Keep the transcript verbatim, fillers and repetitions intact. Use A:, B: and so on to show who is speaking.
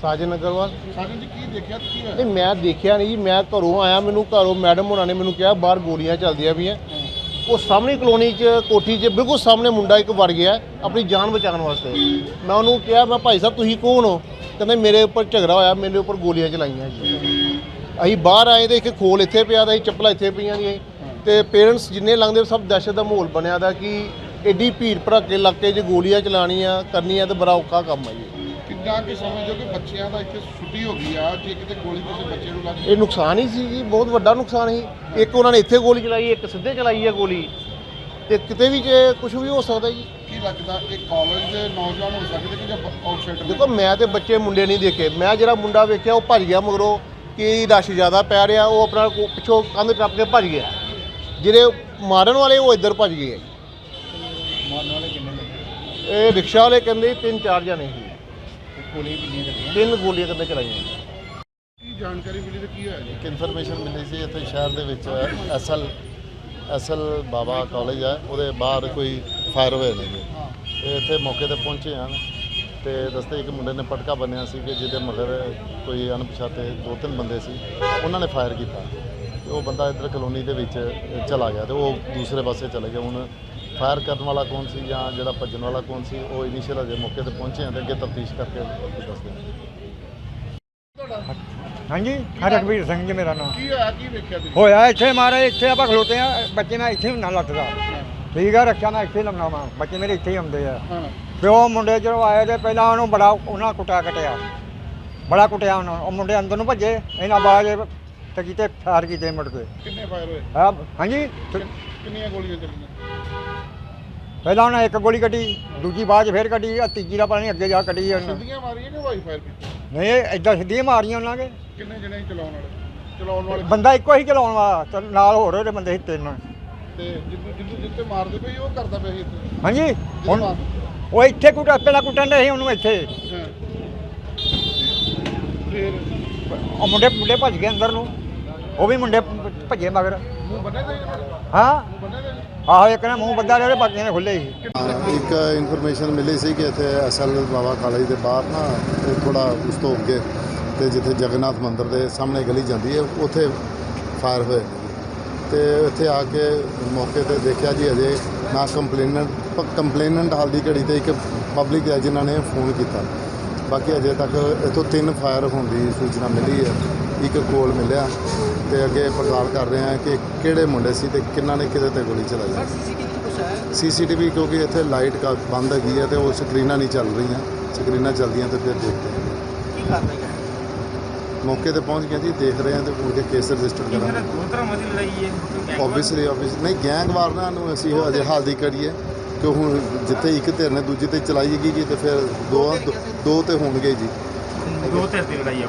A: ਸਾਜਨ ਅਗਰਵਾਲ।
B: ਸਾਜਨ ਜੀ ਕੀ ਦੇਖਿਆ ਤੇ ਕੀ ਹੋਇਆ?
A: ਨਹੀਂ ਮੈਂ ਦੇਖਿਆ ਨਹੀਂ ਜੀ, ਮੈਂ ਘਰੋਂ ਆਇਆ, ਮੈਨੂੰ ਘਰੋਂ ਮੈਡਮ ਹੋਣਾ ਨੇ ਮੈਨੂੰ ਕਿਹਾ ਬਾਹਰ ਗੋਲੀਆਂ ਚੱਲਦੀਆਂ ਪਈਆਂ। ਉਹ ਸਾਹਮਣੇ ਕਲੋਨੀ 'ਚ ਕੋਠੀ 'ਚ ਬਿਲਕੁਲ ਸਾਹਮਣੇ ਮੁੰਡਾ ਇੱਕ ਵੜ ਗਿਆ ਆਪਣੀ ਜਾਨ ਬਚਾਉਣ ਵਾਸਤੇ। ਮੈਂ ਉਹਨੂੰ ਕਿਹਾ ਮੈਂ ਭਾਈ ਸਾਹਿਬ ਤੁਸੀਂ ਕੌਣ ਹੋ? ਕਹਿੰਦੇ ਮੇਰੇ ਉੱਪਰ ਝਗੜਾ ਹੋਇਆ, ਮੇਰੇ ਉੱਪਰ ਗੋਲੀਆਂ ਚਲਾਈਆਂ ਜੀ। ਅਸੀਂ ਬਾਹਰ ਆਏ ਤੇ ਇੱਕ ਖੋਲ ਇੱਥੇ ਪਿਆ ਦਾ ਸੀ, ਚੱਪਲਾਂ ਇੱਥੇ ਪਈਆਂ ਦੀਆਂ ਤੇ ਪੇਰੈਂਟਸ ਜਿੰਨੇ ਲੰਘਦੇ ਸਭ ਦਹਿਸ਼ਤ ਦਾ ਮਾਹੌਲ ਬਣਿਆ ਦਾ ਕਿ ਐਡੀ ਭੀੜ ਭੜੱਕੇ ਇਲਾਕੇ 'ਚ ਗੋਲੀਆਂ ਚਲਾਉਣੀਆਂ ਕਰਨੀਆਂ ਤੇ ਬੜਾ ਔਖਾ ਕੰਮ ਹੈ ਜੀ।
B: ਕਿੰਨਾ ਕਿ ਸਮਝੋ ਕਿ ਬੱਚਿਆਂ ਦਾ ਇੱਥੇ ਛੁੱਟੀ ਹੋ ਗਈ ਆ, ਜੇ ਕਿਤੇ ਗੋਲੀ ਕਿਸੇ ਬੱਚੇ ਨੂੰ ਲੱਗ
A: ਇਹ ਨੁਕਸਾਨ ਹੀ ਸੀ ਜੀ, ਬਹੁਤ ਵੱਡਾ ਨੁਕਸਾਨ ਸੀ। ਇੱਕ ਉਹਨਾਂ ਨੇ ਇੱਥੇ ਗੋਲੀ ਚਲਾਈ, ਇੱਕ ਸਿੱਧੇ ਚਲਾਈ ਹੈ ਗੋਲੀ, ਤੇ ਕਿਤੇ ਵੀ ਜੇ ਕੁਝ ਵੀ ਹੋ ਸਕਦਾ ਜੀ।
B: ਕੀ ਲੱਗਦਾ ਇਹ ਕਾਲਜ ਦੇ ਨੌਜਵਾਨ ਹੋ ਸਕਦੇ ਕਿ ਜਾਂ ਆਊਟਸਾਈਡਰ?
A: ਦੇਖੋ ਮੈਂ ਤੇ ਬੱਚੇ ਮੁੰਡੇ ਨਹੀਂ ਦੇਖੇ, ਮੈਂ ਜਿਹੜਾ ਮੁੰਡਾ ਵੇਖਿਆ ਉਹ ਭੱਜ ਗਿਆ ਮਗਰੋਂ ਕਿ ਰਸ਼ ਜ਼ਿਆਦਾ ਪੈ ਰਿਹਾ, ਉਹ ਆਪਣਾ ਕੋ- ਪਿੱਛੋਂ ਕੰਧ ਟੱਪ ਕੇ ਭੱਜ ਗਿਆ। ਜਿਹੜੇ ਮਾਰਨ ਵਾਲੇ ਉਹ ਇੱਧਰ ਭੱਜ ਗਏ।
B: ਮਾਰਨ ਵਾਲੇ ਕਿੰਨੇ ਲੱਗੇ?
A: ਇਹ ਰਿਕਸ਼ਾ ਵਾਲੇ ਕਹਿੰਦੇ ਤਿੰਨ ਚਾਰ ਜਣੇ ਸੀ,
B: ਗੋਲੀਆਂ ਕਿੰਨੀਆਂ ਚੱਲੀਆਂ?
A: ਤਿੰਨ ਗੋਲੀਆਂ ਕਹਿੰਦੇ ਚਲਾਈਆਂ।
B: ਕੀ ਜਾਣਕਾਰੀ ਮਿਲੀ ਤੇ ਕੀ ਹੋਇਆ ਜੀ?
C: ਇੱਕ ਇਨਫੋਰਮੇਸ਼ਨ ਮਿਲੀ ਸੀ ਇੱਥੇ ਸ਼ਹਿਰ ਦੇ ਵਿੱਚ ਐਸਐਲ ਐਸਐਲ ਬਾਬਾ ਕਾਲਜ ਹੈ, ਉਹਦੇ ਬਾਹਰ ਕੋਈ ਫਾਇਰ ਹੋਏ ਨੇ ਜੀ। ਤੇ ਇੱਥੇ ਮੌਕੇ ਤੇ ਪਹੁੰਚੇ ਹਨ ਤੇ ਦੱਸਦੇ ਇੱਕ ਮੁੰਡੇ ਨੇ ਪਟਕਾ ਬੰਨਿਆ ਸੀ ਕਿ ਜਿਹਦੇ ਮਗਰ ਕੋਈ ਅਣਪਛਾਤੇ ਦੋ ਤਿੰਨ ਬੰਦੇ ਸੀ, ਉਹਨਾਂ ਨੇ ਫਾਇਰ ਕੀਤਾ ਤੇ ਉਹ ਬੰਦਾ ਇੱਧਰ ਕਲੋਨੀ ਦੇ ਵਿੱਚ ਚਲਾ ਗਿਆ ਤੇ ਉਹ ਦੂਸਰੇ ਪਾਸੇ ਚਲੇ ਗਿਆ। ਹੁਣ ਫਾਇਰ ਕਰਨ ਵਾਲਾ ਕੌਣ ਸੀ ਜਾਂ ਜਿਹੜਾ ਭੱਜਣ ਵਾਲਾ ਕੌਣ ਸੀ, ਉਹ ਇਨੀਸ਼ੀਅਲ ਅਜੇ ਮੌਕੇ ਤੇ ਪਹੁੰਚੇ ਹਨ ਤੇ ਅੱਗੇ ਤਫਤੀਸ਼ ਕਰਕੇ ਦੱਸਦੇ ਹਾਂ।
D: ਹਾਂਜੀ ਹਾਂ ਰਘਬੀਰ ਸਿੰਘ ਜੀ ਮੇਰਾ ਨਾਮ।
B: ਕੀ ਹੋਇਆ? ਕੀ ਵੇਖਿਆ ਤੁਸੀਂ?
D: ਹੋਇਆ ਇੱਥੇ ਮਾਰੇ, ਇੱਥੇ ਆਪਾਂ ਖਲੋਤੇ ਆ, ਬੱਚੇ ਮੈਂ ਇੱਥੇ ਹੁੰਨਾ ਲੱਤਦਾ ਠੀਕ ਆ, ਰੱਖਿਆ ਮੈਂ ਇੱਥੇ ਲਾਉਣਾ ਵਾ, ਬੱਚੇ ਮੇਰੇ ਇੱਥੇ ਹੀ ਆਉਂਦੇ ਆ।
B: ਹਾਂ
D: ਤੇ ਉਹ ਮੁੰਡੇ ਜਦੋਂ ਆਏ ਤੇ ਪਹਿਲਾਂ ਉਹਨੂੰ ਬੜਾ ਉਹਨਾਂ ਕੁੱਟਿਆ ਕਟਿਆ, ਬੜਾ ਕੁੱਟਿਆ ਉਹਨਾਂ ਨੂੰ। ਉਹ ਮੁੰਡੇ ਅੰਦਰ ਨੂੰ ਭੱਜੇ, ਇਹਨਾਂ ਬਾਅਦ ਤੇ ਕਿਤੇ ਫਾਇਰ ਕੀਤੇ ਮੁੜ ਕੇ।
B: ਕਿੰਨੇ ਫਾਇਰ ਹੋਏ?
D: ਹਾਂ ਹਾਂਜੀ
B: ਕਿੰਨ- ਕਿੰਨੀਆਂ ਗੋਲੀਆਂ ਚੱਲੀਆਂ?
D: ਪਹਿਲਾਂ ਉਹਨਾਂ ਇੱਕ ਗੋਲੀ ਕੱਢੀ, ਦੂਜੀ ਬਾਅਦ 'ਚ ਫੇਰ ਕੱਢੀ, ਆ ਤੀਜੀ ਦਾ ਪਤਾ ਨਹੀਂ ਅੱਗੇ ਜਾ ਕੱਢੀ ਉਹਨਾਂ।
B: ਸਿੱਧੀਆਂ ਮਾਰੀਆਂ ਕਿ ਵਾਈ ਫਾਇਰ ਕੀਤੀ?
D: ਨਹੀਂ ਏਦਾਂ ਸਿੱਧੀਆਂ ਮਾਰੀਆਂ ਉਹਨਾਂ ਕੇ।
B: ਕਿੰਨੇ ਜਣੇ ਸੀ ਚਲਾਉਣ ਵਾਲੇ? ਚਲਾਉਣ ਵਾਲੇ
D: ਬੰਦਾ ਇੱਕੋ ਹੀ ਚਲਾਉਣ ਵਾਲਾ ਤੇ ਨਾਲ ਹੋਰ ਉਹਦੇ ਬੰਦੇ ਸੀ ਤਿੰਨ।
B: ਤੇ ਜਿੱਦੂ ਜਿੱਦੂ ਜਿੱਤੇ ਮਾਰਦੇ ਪਈ ਉਹ ਕਰਦਾ ਪਿਆ ਸੀ ਇੱਥੇ?
D: ਹਾਂਜੀ
B: ਜਿਹਦੇ
D: ਹੁਣ
B: ਮਾਰ-
D: ਉਹ ਇੱਥੇ ਕੁੱਟ ਪਹਿਲਾਂ ਕੁੱਟਣ ਦੇ ਸੀ ਉਹਨੂੰ ਇੱਥੇ।
B: ਹਾਂ ਫਿਰ
D: ਉਹ ਮੁੰਡੇ ਮੁੰਡੇ ਭੱਜ ਗਏ ਅੰਦਰ ਨੂੰ, ਉਹ ਵੀ ਮੁੰਡੇ ਭੱਜੇ ਮਗਰ।
B: ਮੂੰਹ ਬੰਨੇ ਦੇ?
D: ਹਾਂ
B: ਮੂੰਹ ਬੰਨੇ ਦੇ?
D: ਆਹੋ ਇੱਕ ਨੇ ਮੂੰਹ ਬੱਦਾ ਰਿਹਾ, ਬਾਕੀਆਂ ਨੇ ਖੁੱਲੇ ਸੀ।
C: ਇੱਕ ਇਨਫੋਰਮੇਸ਼ਨ ਮਿਲੀ ਸੀ ਕਿ ਇੱਥੇ ਐਸਐਲ ਬਾਬਾ ਕਾਲਜ ਦੇ ਬਾਹਰ ਨਾ ਥੋੜਾ ਉਸ ਤੋਂ ਅੱਗੇ ਤੇ ਜਿੱਥੇ ਜਗਨਨਾਥ ਮੰਦਿਰ ਦੇ ਸਾਹਮਣੇ ਗਲੀ ਜਾਂਦੀ ਹੈ ਉੱਥੇ ਫਾਇਰ ਹੋਏ ਨੇ ਜੀ। ਤੇ ਇੱਥੇ ਆ ਕੇ ਮੌਕੇ ਤੇ ਦੇਖਿਆ ਜੀ ਅਜੇ ਨਾ ਕੰਪਲੇਨੈਂਟ ਕੰਪਲੇਨੈਂਟ ਹਾਲ ਦੀ ਘੜੀ ਤੇ ਇੱਕ ਪਬਲਿਕ ਹੈ ਜਿਨ੍ਹਾਂ ਨੇ ਫੋਨ ਕੀਤਾ। ਬਾਕੀ ਅਜੇ ਤੱਕ ਇੱਥੋਂ ਤਿੰਨ ਫਾਇਰ ਹੋਣ ਦੀ ਸੂਚਨਾ ਮਿਲੀ ਹੈ, ਇੱਕ ਕੋਲ ਮਿਲਿਆ ਤੇ ਅੱਗੇ ਪੜਤਾਲ ਕਰ ਰਹੇ ਹਾਂ ਕਿ ਕਿਹੜੇ ਮੁੰਡੇ ਸੀ ਤੇ ਕਿਹਨਾਂ ਨੇ ਕਿਹਦੇ ਤੇ ਗੋਲੀ ਚਲਾਈ। ਸੀਸੀਟੀਵੀ ਕਿਉਂਕਿ ਇੱਥੇ ਲਾਈਟ ਕਾ ਬੰਦ ਹੈਗੀ ਹੈ ਤੇ ਉਹ ਸਕਰੀਨਾਂ ਨਹੀਂ ਚੱਲ ਰਹੀਆਂ, ਸਕਰੀਨਾਂ ਚੱਲਦੀਆਂ ਤੇ ਫਿਰ ਦੇਖਦੇ ਹਾਂ। ਮੌਕੇ ਤੇ ਪਹੁੰਚ ਗਏ ਜੀ, ਦੇਖ ਰਹੇ ਹਾਂ ਤੇ ਮੁੜ ਕੇ ਕੇਸ ਰਜਿਸਟਰ ਕਰਾਂਗੇ। ਓਬਵੀਅਸਲੀ ਓਬਵੀਅਸ ਨਹੀਂ ਗੈਂਗਵਾਰ ਨਾ ਨੂੰ ਅਸੀਂ ਅਜੇ ਹਾਲ ਦੀ ਕਰੀਏ ਕਿ ਹੁਣ ਜਿੱਥੇ ਇੱਕ ਧਿਰ ਨੇ ਦੂਜੇ ਤੇ ਚਲਾਈ ਗਈ ਤੇ ਫਿਰ ਦੋ ਦੋ ਤੇ ਹੋਣਗੇ ਜੀ।
E: ਦੋ ਧਿਰ ਦੀ ਲੜਾਈ ਆ।